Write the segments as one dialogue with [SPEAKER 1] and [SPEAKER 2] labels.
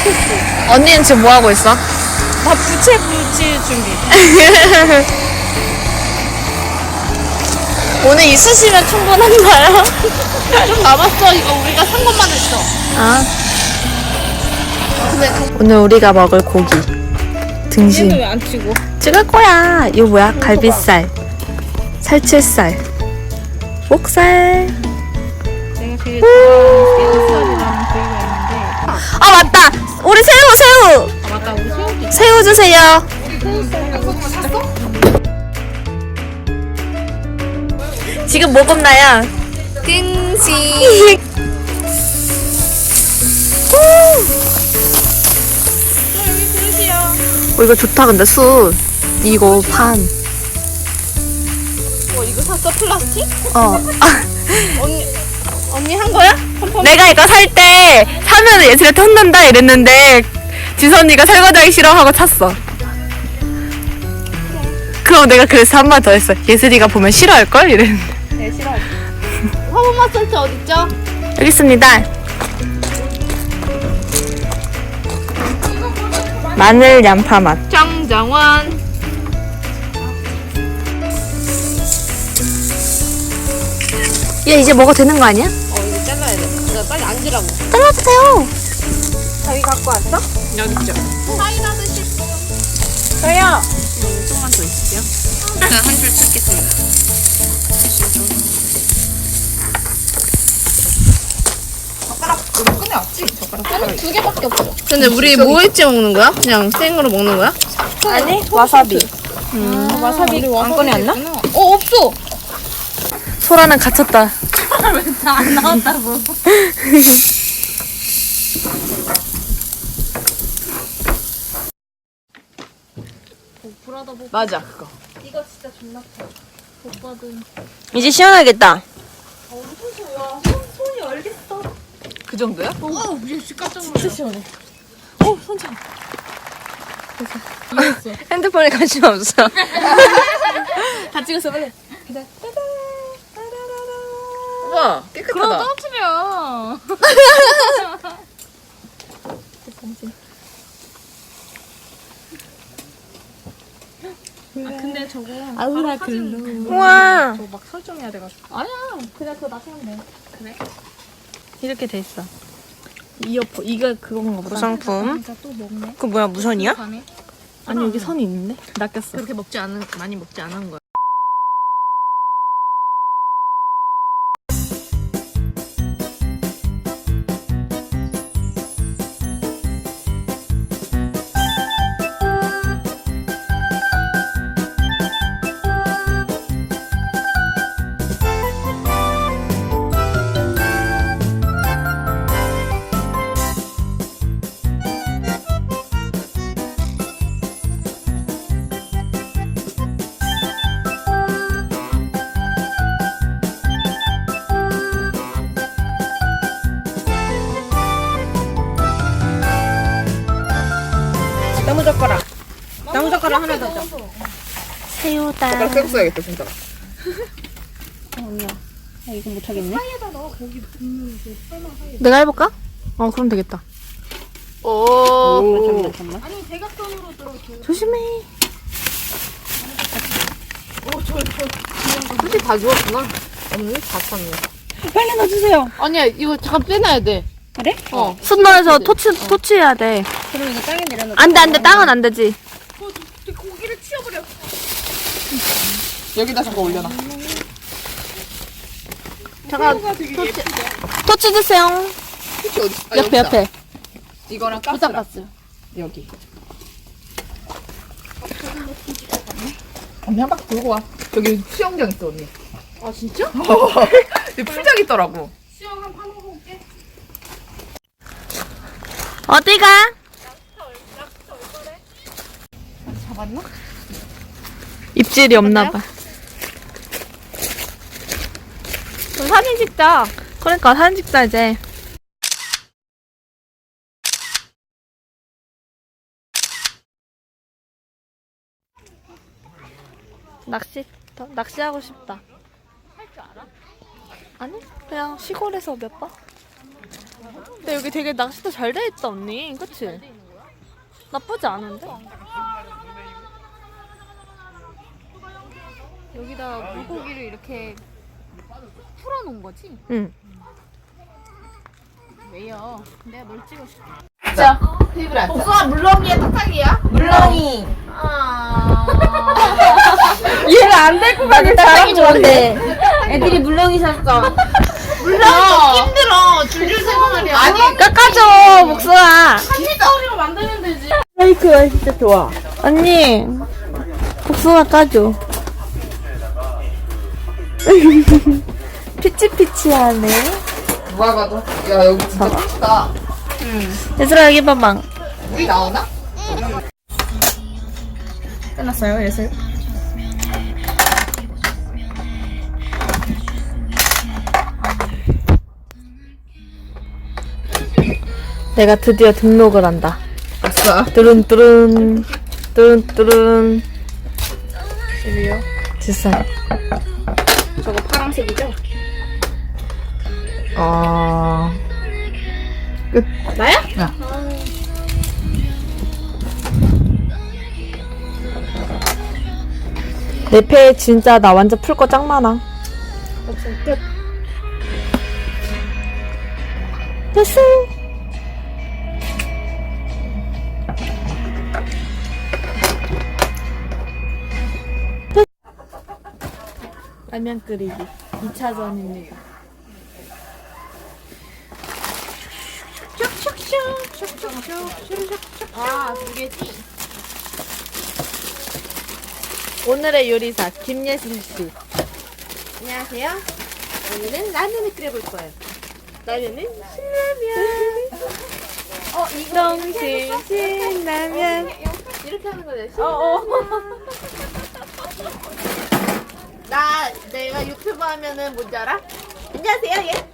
[SPEAKER 1] 언니는 지금 뭐 하고 있어?
[SPEAKER 2] 나 부채 붙일 준비.
[SPEAKER 1] 오늘 있으시면 충분한가요?
[SPEAKER 2] 좀 남았어. 이거 우리가 산 것만 했어.
[SPEAKER 1] 아. 오늘 우리가 먹을 고기 등심
[SPEAKER 2] 얘는 왜 안 치고?
[SPEAKER 1] 찍을 거야. 이거 뭐야? 갈비살, 살치살, 목살.
[SPEAKER 2] 내가 제일 좋아하는 새우살이라는 부위가 있는데.
[SPEAKER 1] 아 맞다. 우리 새우.
[SPEAKER 2] 아 맞다. 우리 새우도 있어.
[SPEAKER 1] 새우 주세요. 지금 뭐 굽나요? 끙시.
[SPEAKER 2] 여기 그릇이야.
[SPEAKER 1] 이거 좋다. 근데 숯 이거 판.
[SPEAKER 2] 이거 샀어? 플라스틱?
[SPEAKER 1] 아,
[SPEAKER 2] 언니 한 거야?
[SPEAKER 1] 내가 이거 살 때 사면 예슬한테 혼난다 이랬는데 지선이가 설거지하기 싫어하고 찼어. 그럼 내가 그래서 한 번 더 했어. 예슬이가 보면 싫어할걸? 이랬는데.
[SPEAKER 2] 네, 싫어하지. 화분 마사지 어딨죠?
[SPEAKER 1] 여기 있습니다. 마늘 양파 맛.
[SPEAKER 2] 장장원.
[SPEAKER 1] 얘 이제 먹어도 되는 거 아니야?
[SPEAKER 2] 이거 잘라야 돼. 나 빨리 앉으라고.
[SPEAKER 1] 잘라주세요.
[SPEAKER 2] 자기 갖고 왔어? 여기 있죠. 사이다 드실 분. 저요. 조금만 더 있을게요. 제가 한 줄 찍겠습니다. 젓가락 두 개밖에 없어. 근데 우리 뭐 했지 먹는 거야? 그냥 생으로 먹는 거야?
[SPEAKER 1] 아니 와사비.
[SPEAKER 2] 와사비를 안 꺼내왔나? 없어.
[SPEAKER 1] 소라는 갇혔다.
[SPEAKER 2] 안 나왔다고.
[SPEAKER 3] 맞아 그거.
[SPEAKER 2] 이거 진짜 존나 커. 오빠든.
[SPEAKER 1] 이제 시원하겠다.
[SPEAKER 2] 손이 얼겠어.
[SPEAKER 3] 그 정도야?
[SPEAKER 2] 오, 진짜 깜짝 놀랐어. 진짜 시원해.
[SPEAKER 1] 핸드폰에 관심 없어.
[SPEAKER 2] 다 찍었어 빨리.
[SPEAKER 3] 우와 깨끗하다.
[SPEAKER 2] 떨어뜨려. 근데 저거
[SPEAKER 1] 아우라
[SPEAKER 2] 글로
[SPEAKER 1] 우와.
[SPEAKER 2] 저거 막 설정해야 돼가지고. 아니야, 그냥 그거 놔두면 돼. 그래?
[SPEAKER 1] 이렇게 돼 있어.
[SPEAKER 2] 이어폰 이거 그건가 보다.
[SPEAKER 1] 구성품.
[SPEAKER 2] 진짜 또 먹네.
[SPEAKER 1] 그 뭐야 무선이야?
[SPEAKER 2] 가네.
[SPEAKER 1] 아니 여기 선이 있는데? 낚였어.
[SPEAKER 2] 그렇게 많이 먹지 않은 거야. 나무젓가락 하나 더 줘.
[SPEAKER 1] 새우다.
[SPEAKER 3] 젓가락 빼고 써야겠다 진짜.
[SPEAKER 2] 이거 못하겠네.
[SPEAKER 1] 내가 해볼까? 그럼 되겠다.
[SPEAKER 3] 오.
[SPEAKER 2] 잠깐만. 아니 대각선으로 들어줘.
[SPEAKER 1] 조심해.
[SPEAKER 3] 솔직히 다 주웠구나. 없네 다 찼네.
[SPEAKER 2] 빨리 넣어주세요.
[SPEAKER 3] 아니야 이거 잠깐 빼놔야 돼.
[SPEAKER 2] 그래?
[SPEAKER 1] 손 넣어서 토치해야 돼.
[SPEAKER 2] 그럼 이거 땅에 내려놓고.
[SPEAKER 1] 안돼 땅은 안 되지.
[SPEAKER 2] 고기를 치워버려.
[SPEAKER 3] 여기다 잠깐 올려놔.
[SPEAKER 1] 잠깐 토치 주세요.
[SPEAKER 3] 혹시 어디? 아,
[SPEAKER 1] 옆에
[SPEAKER 3] 여기다.
[SPEAKER 1] 옆에.
[SPEAKER 3] 이거랑
[SPEAKER 1] 부탁
[SPEAKER 3] 가스랑
[SPEAKER 1] 봤어요.
[SPEAKER 3] 여기. 언니 한 바퀴 돌고 와. 여기 수영장 있어 언니.
[SPEAKER 2] 아 진짜?
[SPEAKER 3] 여기 풀장 있더라고.
[SPEAKER 2] 수영 한번 파먹어 올게.
[SPEAKER 1] 어디가?
[SPEAKER 2] 잡았나?
[SPEAKER 1] 입질이 없나 봐.
[SPEAKER 2] 그럼 사진 찍자.
[SPEAKER 1] 그러니까 사진 찍자 이제. 낚시하고 싶다.
[SPEAKER 2] 할 줄 알아?
[SPEAKER 1] 아니 그냥 시골에서 몇 번? 근데 여기 되게 낚시도 잘 돼 있다 언니. 그치? 나쁘지 않은데?
[SPEAKER 2] 여기다 물고기를 이렇게 풀어놓은 거지?
[SPEAKER 1] 응.
[SPEAKER 2] 왜요? 내가 뭘 찍어줄게.
[SPEAKER 3] 자, 테이블에 앉자. 복숭아 물렁이야, 탁탁이야? 물렁이.
[SPEAKER 2] 얘가 안 될 것 같아. 탁탁이 좋은데. 애들이 물렁이 샀어.
[SPEAKER 3] 물렁이 힘들어. 줄줄 세고 말이야. 아니,
[SPEAKER 1] 깎아줘 복숭아.
[SPEAKER 3] 우리가 만들면 되지.
[SPEAKER 1] 스테이크가 진짜 좋아. 언니 복숭아 까줘. 피치피치하네.
[SPEAKER 3] 누가 봐도. 야, 여기 진짜 크다.
[SPEAKER 1] 얘들아 여기 봐봐.
[SPEAKER 3] 물이 나오나?
[SPEAKER 1] 끝났어요 예슬? 내가 드디어 등록을 한다.
[SPEAKER 3] 아싸.
[SPEAKER 1] 뚜룬뚜룬 뚜룬뚜룬. 13.
[SPEAKER 2] 저거 파란색이죠?
[SPEAKER 3] 끝.
[SPEAKER 2] 나야?
[SPEAKER 3] 야.
[SPEAKER 1] 내 패 진짜 나 완전 풀 거 짱 많아.
[SPEAKER 2] 끝.
[SPEAKER 1] 됐어. 라면 끓이기 2차전입니다.
[SPEAKER 2] 아, 두 개지?
[SPEAKER 1] 오늘의 요리사 김예슬 씨.
[SPEAKER 2] 안녕하세요. 오늘은 라면을 끓여볼 거예요. 라면은 신라면. 이거
[SPEAKER 1] 정신 신라면.
[SPEAKER 2] 이렇게 하는 거네. 내가 유튜브 하면은 뭔지 알아? 안녕하세요. 예.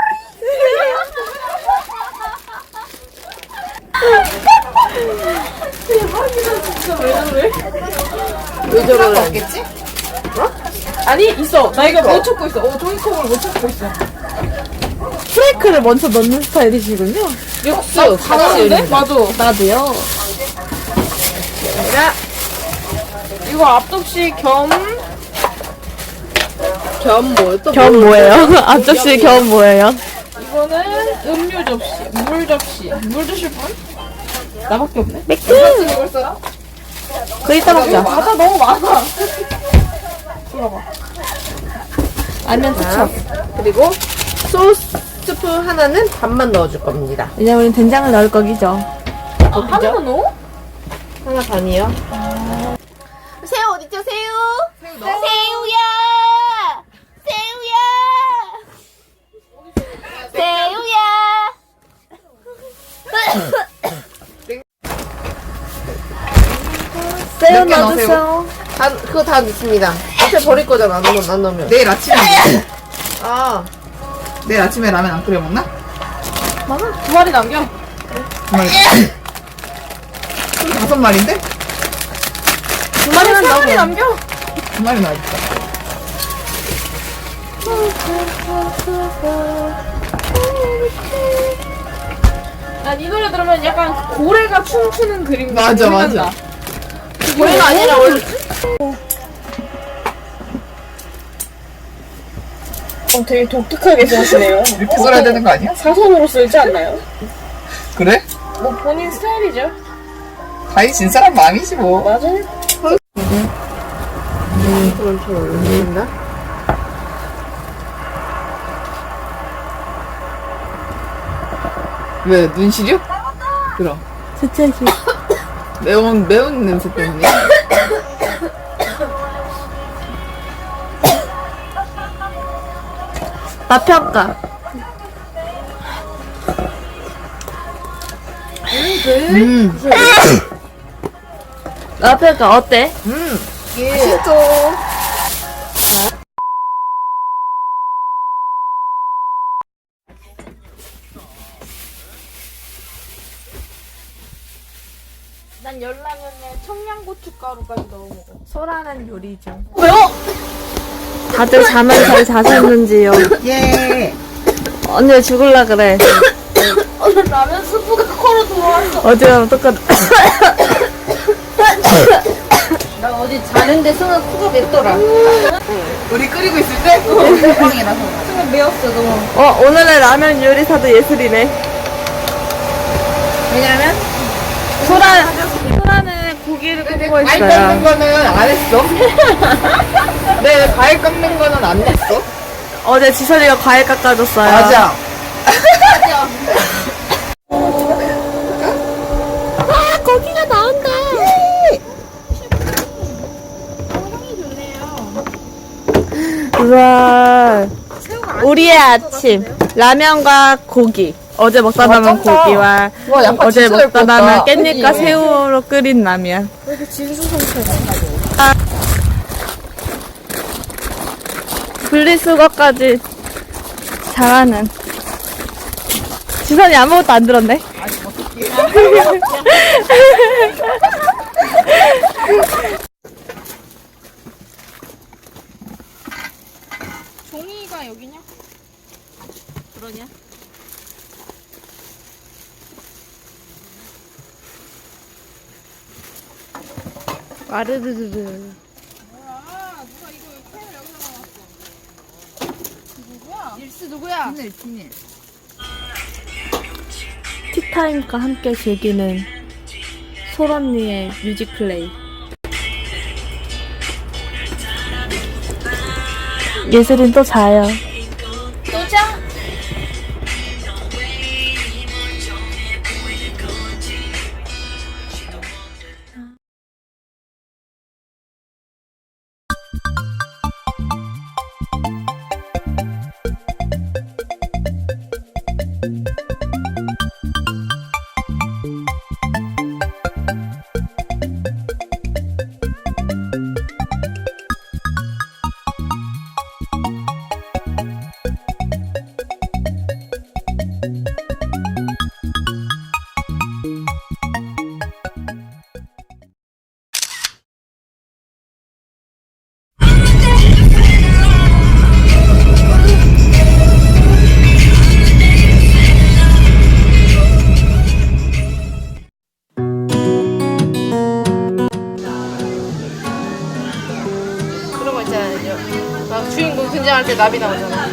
[SPEAKER 3] 왜 저러는 없겠지?
[SPEAKER 1] 아니 있어. 나 이거
[SPEAKER 3] 못
[SPEAKER 1] 찾고 있어. 종이컵을 못 찾고 있어. 프레이크를 먼저 넣는 스타일이시군요.
[SPEAKER 3] 육수.
[SPEAKER 1] 같이 맞아. 나도요. 이거 앞접시 겸
[SPEAKER 3] 뭐였어?
[SPEAKER 1] 겸 뭐예요? 앞접시 겸 뭐예요?
[SPEAKER 4] 이거는 음료 접시, 물 접시. 물 드실 분? 나밖에 없네.
[SPEAKER 1] 맥주.
[SPEAKER 3] 이걸 써라?
[SPEAKER 1] 그 이따 먹자.
[SPEAKER 4] 과자 너무 많아.
[SPEAKER 1] 라면 투척.
[SPEAKER 3] 그리고 소스 스푼 하나는 반만 넣어줄 겁니다.
[SPEAKER 1] 이제 우린 된장을 넣을 거기죠.
[SPEAKER 4] 하나만 넣어?
[SPEAKER 3] 하나 반이요.
[SPEAKER 2] 새우 어딨죠? 새우? 새우야! 새우야!
[SPEAKER 1] 새우
[SPEAKER 3] 몇개
[SPEAKER 1] 넣어주세요.
[SPEAKER 3] 그거 다 넣습니다. 앞에 버릴 거잖아. 안 넣으면.
[SPEAKER 4] 내일 아침에
[SPEAKER 3] 아,
[SPEAKER 4] 내일 아침에 라면 안 끓여 먹나?
[SPEAKER 1] 두 마리 남겨.
[SPEAKER 4] 두 마리. 다섯 마리인데?
[SPEAKER 1] 두 마리만 넣어.
[SPEAKER 4] 남겨. 두 마리 나와있다. 난 이 노래 들으면 약간 고래가 춤추는 그림.
[SPEAKER 3] 맞아, 맞아.
[SPEAKER 4] 고래가 아니라 원래.
[SPEAKER 5] 되게 독특하게 쓰시네요.
[SPEAKER 4] 이렇게 써야 되는 거 아니야?
[SPEAKER 5] 사선으로 쓰지 않나요?
[SPEAKER 4] 그래?
[SPEAKER 5] 뭐 본인 스타일이죠.
[SPEAKER 4] 다이 진 사람 마음이지 뭐.
[SPEAKER 5] 맞아요.
[SPEAKER 3] 그럼 저 올린다.
[SPEAKER 4] 왜 눈 시려? 그럼
[SPEAKER 1] 스체시.
[SPEAKER 4] 매운 냄새 때문에.
[SPEAKER 1] 맛평가. 맛평가 어때?
[SPEAKER 3] 맛있어.
[SPEAKER 5] 난 열라면에 청양고춧가루까지 넣어 먹어.
[SPEAKER 1] 소라는 요리 중. 왜요? 다들 잠을 잘 자셨는지요?
[SPEAKER 4] 예.
[SPEAKER 1] 언니 왜 죽을라 그래?
[SPEAKER 5] 라면 스프가 코로 들어왔어.
[SPEAKER 1] 어제랑 똑같아.
[SPEAKER 3] 나 어제 자는데 승아 코가 맵더라. 우리 끓이고 있을 때? 빵이라서. 승아 매웠어 너무.
[SPEAKER 1] 오늘의 라면 요리사도 예술이네.
[SPEAKER 3] 왜냐면
[SPEAKER 1] 소라는 고기를 굽고
[SPEAKER 3] 과일
[SPEAKER 1] 있어요.
[SPEAKER 3] 깎는 거는 안 했어. 네, 과일 깎는 거는 안 냈어.
[SPEAKER 1] 어제 지선이가 과일 깎아줬어요.
[SPEAKER 3] 맞아.
[SPEAKER 1] 고기가 나온다. 우와. 우리의 아침. 라면과 고기. 어제 먹다 남은
[SPEAKER 3] 쩐다.
[SPEAKER 1] 고기와
[SPEAKER 3] 와, 양파
[SPEAKER 1] 어제
[SPEAKER 3] 진짜
[SPEAKER 1] 먹다
[SPEAKER 3] 얇다.
[SPEAKER 1] 남은 깻잎과
[SPEAKER 3] 그치?
[SPEAKER 1] 새우로 끓인 라면. 분리수거까지 잘하는. 지선이 아무것도 안 들었네.
[SPEAKER 4] 종이가 여기냐? 그러냐?
[SPEAKER 1] 와르르르르.
[SPEAKER 4] 뭐야? 누가 이거 캔을 여기다 놔놨어? 일스 누구야?
[SPEAKER 1] 티타임과 함께 즐기는 솔언니의 뮤직 플레이. 예슬인 또 자요.
[SPEAKER 5] 또 자.
[SPEAKER 3] 그런 거 있잖아요. 막 주인공 등장할 때 나비 나오잖아.